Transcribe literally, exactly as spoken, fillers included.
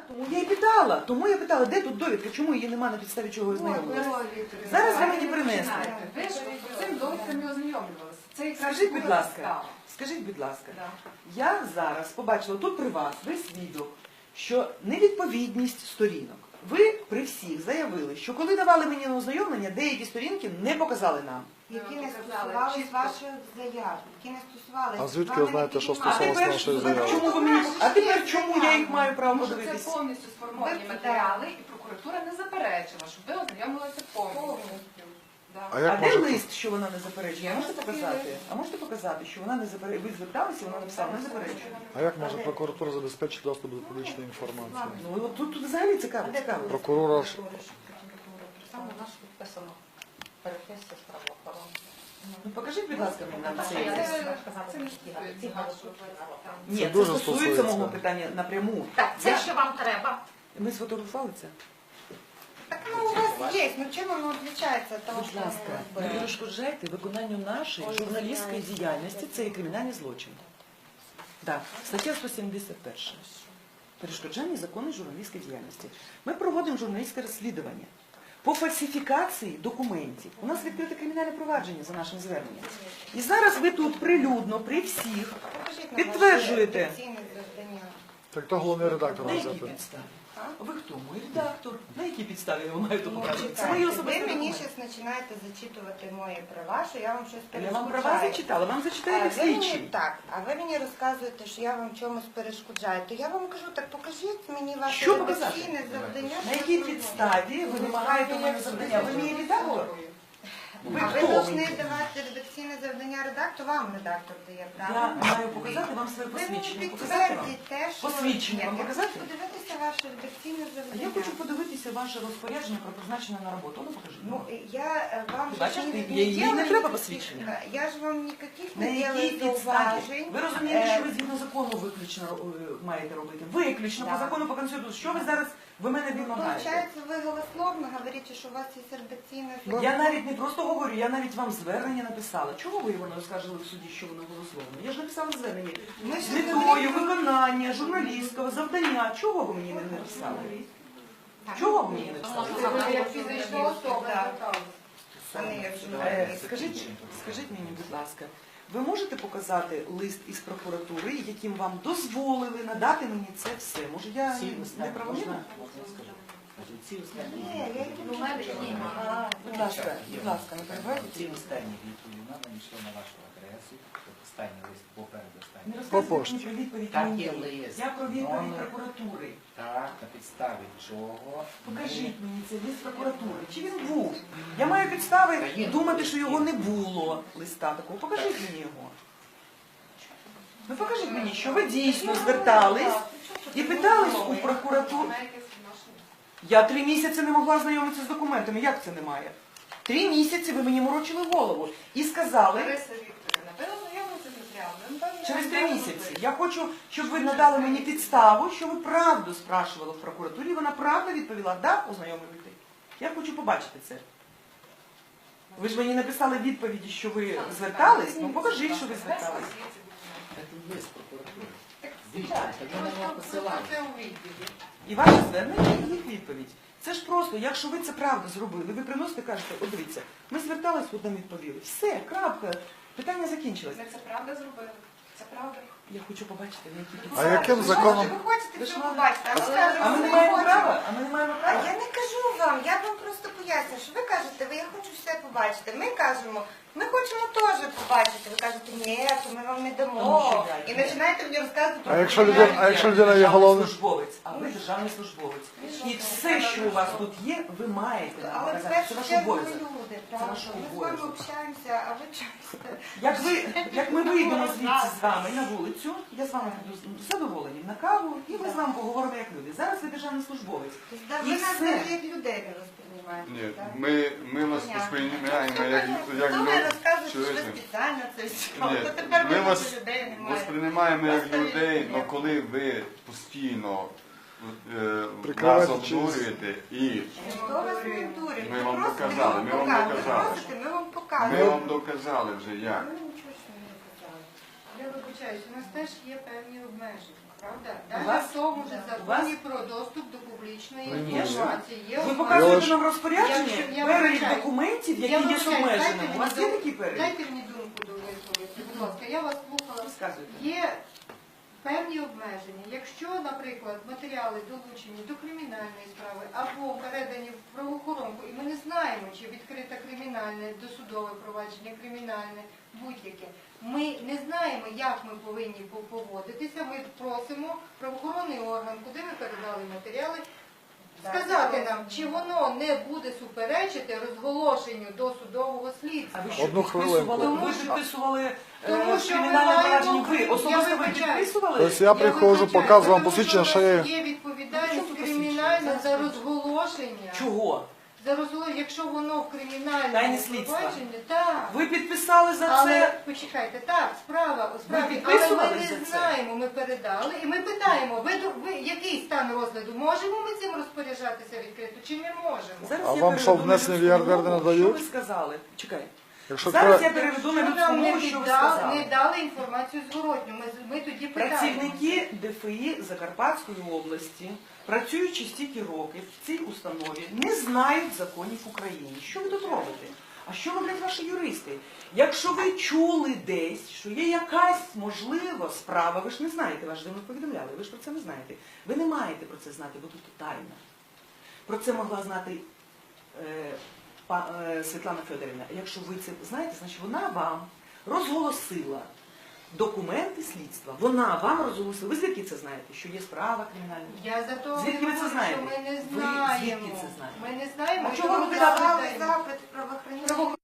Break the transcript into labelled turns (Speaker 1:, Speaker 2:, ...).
Speaker 1: Тому я і питала, тому я питала, де тут довідка, чому її нема, на підставі чого ознайомилася. Зараз ви мені принесли.
Speaker 2: Ви ж з цим довідками ознайомлювалися. Це якраз
Speaker 1: Скажіть,
Speaker 2: була
Speaker 1: будь ласка,
Speaker 2: підстава.
Speaker 1: скажіть, будь ласка,
Speaker 2: Да.
Speaker 1: я зараз побачила тут при вас, ви свідок, що невідповідність сторінок. Ви при всіх заявили, що коли давали мені на ознайомлення, деякі сторінки не показали нам.
Speaker 3: Які не стосувались ваших заяв, які не стосувалися.
Speaker 4: А звідки ви знаєте, що
Speaker 1: А
Speaker 4: стосувалося
Speaker 1: тепер,
Speaker 4: нашої
Speaker 1: тепер
Speaker 4: заяви?
Speaker 1: чому ви мені, а тепер чому я їх маю право
Speaker 2: Тому що це
Speaker 1: подивитися?
Speaker 2: повністю сформовані матеріали, і прокуратура не заперечила, щоб ви ознайомилися повністю. Да.
Speaker 4: А
Speaker 1: А
Speaker 4: як
Speaker 1: де
Speaker 4: може...
Speaker 1: лист, що вона не заперечує?
Speaker 2: Є
Speaker 1: Можете
Speaker 2: ось такий
Speaker 1: показати?
Speaker 2: лист.
Speaker 1: А можете показати, що вона не заперечує? Ви зверталися, вона написала, не заперечує.
Speaker 4: А як може прокуратура забезпечити доступ до публічної інформації?
Speaker 1: Ну от тут, тут взагалі цікаво, цікаво.
Speaker 4: Прокурора ж...
Speaker 5: Там у нас підписано переписка з правоохоронцем.
Speaker 1: Ну покажіть, будь ласка, мені нам цей
Speaker 2: Це-
Speaker 1: лист.
Speaker 2: це не стосується.
Speaker 1: Ні,
Speaker 4: Це
Speaker 1: це
Speaker 4: дуже
Speaker 1: стосується
Speaker 4: стосується.
Speaker 1: мого питання напряму.
Speaker 5: Так, це
Speaker 1: Я-
Speaker 5: що вам треба?
Speaker 1: Ми сфотографували це?
Speaker 3: Так ну у вас є, ну чим воно відрізняється від того,
Speaker 1: Будь
Speaker 3: що
Speaker 1: ласка,
Speaker 3: ми
Speaker 1: не
Speaker 3: робили?
Speaker 1: перешкоджайте виконанню нашої журналістської діяльності, це є кримінальний злочин. Так, стаття сто сімдесят перша. Перешкоджання законної журналістської діяльності. Ми проводимо журналістське розслідування. По фальсифікації документів. У нас відкрите кримінальне провадження за нашим зверненням. І зараз ви тут прилюдно, при всіх,
Speaker 3: Покажіть нам
Speaker 1: підтверджуєте.
Speaker 3: ваше офіційне завдання.
Speaker 4: Так то головний редактор
Speaker 1: На якій
Speaker 4: газети.
Speaker 1: підставі? Ви хто? Мій редактор. На якій підставі я вам маю то
Speaker 3: Ну,
Speaker 1: показати? Це
Speaker 3: чекайте,
Speaker 1: мої
Speaker 3: ви
Speaker 1: особисті
Speaker 3: мені
Speaker 1: документи.
Speaker 3: зараз починаєте зачитувати мої права, що я вам щось
Speaker 1: Я
Speaker 3: перешкоджаю.
Speaker 1: вам права зачитала, вам
Speaker 3: А
Speaker 1: зачитають
Speaker 3: ви мені,
Speaker 1: слідчі.
Speaker 3: так, а ви мені розказуєте, що я вам чомусь перешкоджаю. То я вам кажу, так покажіть мені ваше
Speaker 1: Що показати?
Speaker 3: редакційне завдання.
Speaker 1: На якій підставі ви вимагаєте у мене завдання? Ви мій редактор? Ви
Speaker 3: А ви
Speaker 1: хто
Speaker 3: повинні
Speaker 1: мені?
Speaker 3: давати редакційне завдання редактору, вам редактор дає
Speaker 1: Я
Speaker 3: право.
Speaker 1: маю показати вам своє
Speaker 3: Ви мені
Speaker 1: посвідчення. Показати вам?
Speaker 3: підтвердіть те, що...
Speaker 1: Посвідчення
Speaker 3: Ні,
Speaker 1: вам
Speaker 3: я
Speaker 1: показати?
Speaker 3: хочу подивитися ваше редакційне
Speaker 1: А
Speaker 3: завдання.
Speaker 1: я хочу подивитися ваше розпорядження про призначення на роботу. Ну покажіть.
Speaker 3: Ну, я е, вам...
Speaker 1: Ти
Speaker 3: ж
Speaker 1: бачиш,
Speaker 3: не-
Speaker 1: ти-
Speaker 3: не
Speaker 1: їй- їй не
Speaker 3: делаю
Speaker 1: треба
Speaker 3: никаких-
Speaker 1: посвідчення.
Speaker 3: Я ж вам ніяких
Speaker 1: На
Speaker 3: не
Speaker 1: якій
Speaker 3: делаю
Speaker 1: підставі?
Speaker 3: зауважень.
Speaker 1: Ви розумієте,
Speaker 3: Е,
Speaker 1: що ви згідно закону виключно е, маєте робити? Виключно по
Speaker 3: Да.
Speaker 1: закону, по Конституції. Що ви зараз ви мене вимагаєте?
Speaker 3: Получається, ви голословно говорите, що у вас є редакційне
Speaker 1: Я навіть не просто говорю, я навіть вам звернення написала. Чого ви його не оскаржили в суді, що воно голословно? Я ж написала звернення.
Speaker 3: Ми
Speaker 1: З
Speaker 3: ж
Speaker 1: метою
Speaker 3: розуміємо.
Speaker 1: виконання журналістського завдання. Чого ви мені не написали? Чого ви мені не написали?
Speaker 2: Ви як фізична особа зверталися.
Speaker 3: А не як
Speaker 1: Е,
Speaker 3: журналіст.
Speaker 1: Скажіть, скажіть мені, будь ласка, ви можете показати лист із прокуратури, яким вам дозволили надати мені це все? Може я не правомірна?
Speaker 3: Ні, я їх
Speaker 2: У мене ні.
Speaker 3: А,
Speaker 1: Будь ласка, будь ласка, не перебивайте.
Speaker 6: Ці останні відповіді вона надійшла на вашу адресу, тобто останній лист попереду
Speaker 1: Не
Speaker 6: останній.
Speaker 1: розказуйте
Speaker 4: пошті.
Speaker 1: мені про відповідь
Speaker 6: Так
Speaker 1: мені.
Speaker 6: є лист.
Speaker 1: Я про відповідь
Speaker 6: Номер.
Speaker 1: прокуратури.
Speaker 6: Так, на підставі чого
Speaker 1: Покажіть мені цей лист прокуратури. Чи він був? Я маю підстави
Speaker 6: Та є
Speaker 1: думати,
Speaker 6: лист,
Speaker 1: що
Speaker 6: є.
Speaker 1: його не було, листа такого. Покажіть мені його. Ну покажіть мені, що ви дійсно звертались і питались у прокуратуру. Я три місяці не могла знайомитися з документами. Як це немає? Три місяці ви мені морочили голову і сказали,
Speaker 2: Лариса Вікторівна, ви ознайомилися з матеріалами? Ну, певно,
Speaker 1: через
Speaker 2: я
Speaker 1: три
Speaker 2: знаю,
Speaker 1: місяці.
Speaker 2: що
Speaker 1: Я хочу, щоб ви надали мені підставу, що ви правду спрашували в прокуратурі, і вона правда відповіла, да, ознайомлюйте. Я хочу побачити це. Ви ж мені написали відповіді, що ви звертались, ну покажіть, що ви звертались.
Speaker 6: це лист прокуратури. Звідти, тоді на нього посилання.
Speaker 2: Це у відповіді.
Speaker 1: І ваше звернення, і їх відповідь. Це ж просто, якщо ви це правда зробили, ви приносите, кажете, от дивіться, ми звертались, от нам відповіли. Все, крапка, питання закінчилось.
Speaker 2: Ми це правда зробили. Це правда.
Speaker 1: Я хочу побачити, на які
Speaker 4: А
Speaker 1: підстави.
Speaker 4: яким законом...
Speaker 3: Ви хочете
Speaker 1: Ви ж
Speaker 3: все
Speaker 1: мали-
Speaker 3: побачити, а ми кажемо,
Speaker 1: А ми
Speaker 3: що
Speaker 1: не
Speaker 3: не
Speaker 1: маємо
Speaker 3: хочемо.
Speaker 1: права? А ми не маємо
Speaker 3: А
Speaker 1: права?
Speaker 3: я не кажу вам, я вам просто поясню, що ви кажете, ви я хочу все побачити. Ми кажемо, ми хочемо теж побачити. Ви кажете, ні, то ми вам не
Speaker 1: Тому
Speaker 3: дамо.
Speaker 1: що я-
Speaker 3: І починаєте мені розказувати про
Speaker 4: А якщо людина,
Speaker 3: кримінальні
Speaker 4: а якщо
Speaker 3: дії.
Speaker 4: людина є
Speaker 1: Державний
Speaker 4: головним...
Speaker 1: службовець, а ви державний службовець. І все, що у вас тут є, ви маєте нам
Speaker 3: Але в
Speaker 1: показати. Це
Speaker 3: першу
Speaker 1: ваш
Speaker 3: чергу ми
Speaker 1: обов'язок.
Speaker 3: люди,
Speaker 1: Це
Speaker 3: правда.
Speaker 1: ваш
Speaker 3: Ми з вами
Speaker 1: обов'язок.
Speaker 3: общаємося, а ви часто.
Speaker 1: Як, ви, як ми вийдемо звідси з вами на вулицю, я з вами буду з задоволенням на каву, і ми з вами поговоримо як люди. Зараз ви державний службовець.
Speaker 3: Да,
Speaker 1: І
Speaker 3: ви нас
Speaker 1: все.
Speaker 3: навіть як людей не розприймаєте.
Speaker 7: Ні,
Speaker 3: так?
Speaker 7: ми, ми вас
Speaker 3: Понятно.
Speaker 7: сприймаємо як, як
Speaker 3: Ну, ви
Speaker 7: люд-
Speaker 3: розказуєте, що ви
Speaker 7: чоловічних.
Speaker 3: спеціально це все.
Speaker 7: Ні,
Speaker 3: То тепер
Speaker 7: ми
Speaker 3: ви
Speaker 7: вас
Speaker 3: нас людей немає.
Speaker 7: восприймаємо як
Speaker 3: Просто
Speaker 7: людей,
Speaker 3: ні.
Speaker 7: але коли ви постійно е, нас
Speaker 4: Прикриваєте
Speaker 7: обдурюєте і
Speaker 3: Хто вас не дурить?
Speaker 7: Ми вам
Speaker 3: просто
Speaker 7: показали, ми вам
Speaker 3: показали.
Speaker 7: доказали.
Speaker 3: Ви просите, ми вам
Speaker 7: ми
Speaker 3: показуємо.
Speaker 7: вам доказали вже як.
Speaker 3: Ви нічого ж не доказали.
Speaker 2: Я вибачаюсь, у нас теж є певні обмеження.
Speaker 3: правда?
Speaker 1: У
Speaker 3: Навіть
Speaker 1: вас-
Speaker 3: в тому ж
Speaker 1: у вас-
Speaker 3: законі про доступ до публічної
Speaker 4: Конечно.
Speaker 3: інформації. Є
Speaker 1: Ви
Speaker 3: основа-
Speaker 1: показуєте
Speaker 4: ж-
Speaker 1: нам розпорядження,
Speaker 3: Якщо- я
Speaker 1: перелік
Speaker 3: вибачаю.
Speaker 1: документів,
Speaker 3: Я
Speaker 1: які є з
Speaker 3: вибачаю,
Speaker 1: обмеженим.
Speaker 3: дайте
Speaker 1: У вас
Speaker 3: мені
Speaker 1: є
Speaker 3: дум-
Speaker 1: такий перелік?
Speaker 3: Дайте мені думку довисловити, будь ласка. Я вас слухала.
Speaker 1: Розказуйте.
Speaker 3: Є певні обмеження. Якщо, наприклад, матеріали долучені до кримінальної справи або передані в правоохоронку, і ми не знаємо, чи відкрите кримінальне, досудове провадження, кримінальне, будь-яке, ми не знаємо, як ми повинні по- поводитися, ми просимо правоохоронний орган, куди ми передали матеріали, сказати нам, чи воно не буде суперечити розголошенню досудового слідства.
Speaker 1: А ви що
Speaker 4: Одну
Speaker 1: підписували?
Speaker 4: хвилинку.
Speaker 1: Ви підписували е,
Speaker 3: Тому що ми
Speaker 1: кримінальне
Speaker 3: маємо-
Speaker 1: провадження? Ви
Speaker 3: я
Speaker 1: особисто ви
Speaker 3: вибачаю.
Speaker 1: підписували?
Speaker 4: Тобто я приходжу,
Speaker 3: вибачаюсь,
Speaker 4: показую вам
Speaker 3: тому
Speaker 4: посвідчення,
Speaker 3: що
Speaker 4: що
Speaker 3: у
Speaker 4: я...
Speaker 3: нас є
Speaker 1: Ну, що
Speaker 3: відповідальність
Speaker 1: тут
Speaker 3: кримінальна
Speaker 1: посвідчення?
Speaker 3: за розголошення.
Speaker 1: Чого?
Speaker 3: За розголошення, якщо воно в
Speaker 1: Тайне
Speaker 3: кримінальному
Speaker 1: слідство.
Speaker 3: провадженні, так.
Speaker 1: Ви підписали за
Speaker 3: Але
Speaker 1: це?
Speaker 3: почекайте, так, справа, справді, але
Speaker 1: підписували
Speaker 3: ми
Speaker 1: за
Speaker 3: не
Speaker 1: це?
Speaker 3: знаємо, ми передали, і ми питаємо, ви, до- ви який стан розгляду? Можемо ми цим розпоряджатися відкрито, чи не можемо?
Speaker 1: Зараз
Speaker 4: А
Speaker 1: я
Speaker 4: вам що,
Speaker 1: переведу на
Speaker 4: внесення в
Speaker 1: людську
Speaker 4: ЄРДР не
Speaker 1: мову,
Speaker 4: надають?
Speaker 1: Що ви сказали? Чекай.
Speaker 4: Якщо
Speaker 1: Зараз
Speaker 4: кра-
Speaker 1: я переведу на
Speaker 3: Якщо
Speaker 1: людську
Speaker 3: нам не,
Speaker 1: мову, що ви
Speaker 3: віддали,
Speaker 1: сказали.
Speaker 3: не дали інформацію зворотню, ми, ми тоді питаємо.
Speaker 1: Працівники ДФІ Закарпатської області, працюючи стільки років в цій установі, не знають законів України. Що ви тут робите? А що роблять ваші юристи? Якщо ви чули десь, що є якась можлива справа, ви ж не знаєте, вас ж не повідомляли, ви ж про це не знаєте. Ви не маєте про це знати, бо тут тайна. Про це могла знати е, па- е, Світлана Федорівна. Якщо ви це знаєте, значить вона вам розголосила документи слідства. Вона вам розголосила. Ви звідки це знаєте? Що є справа кримінальна?
Speaker 3: Я за то
Speaker 1: Звідки ви це
Speaker 3: говорю,
Speaker 1: знаєте?
Speaker 3: що ми не
Speaker 1: Ви
Speaker 3: знаємо.
Speaker 1: звідки це знаєте?
Speaker 3: Ми не знаємо.
Speaker 1: А
Speaker 3: і
Speaker 1: чого
Speaker 3: тому
Speaker 1: ви
Speaker 3: подавали
Speaker 1: питаєте?
Speaker 3: запит правоохоронних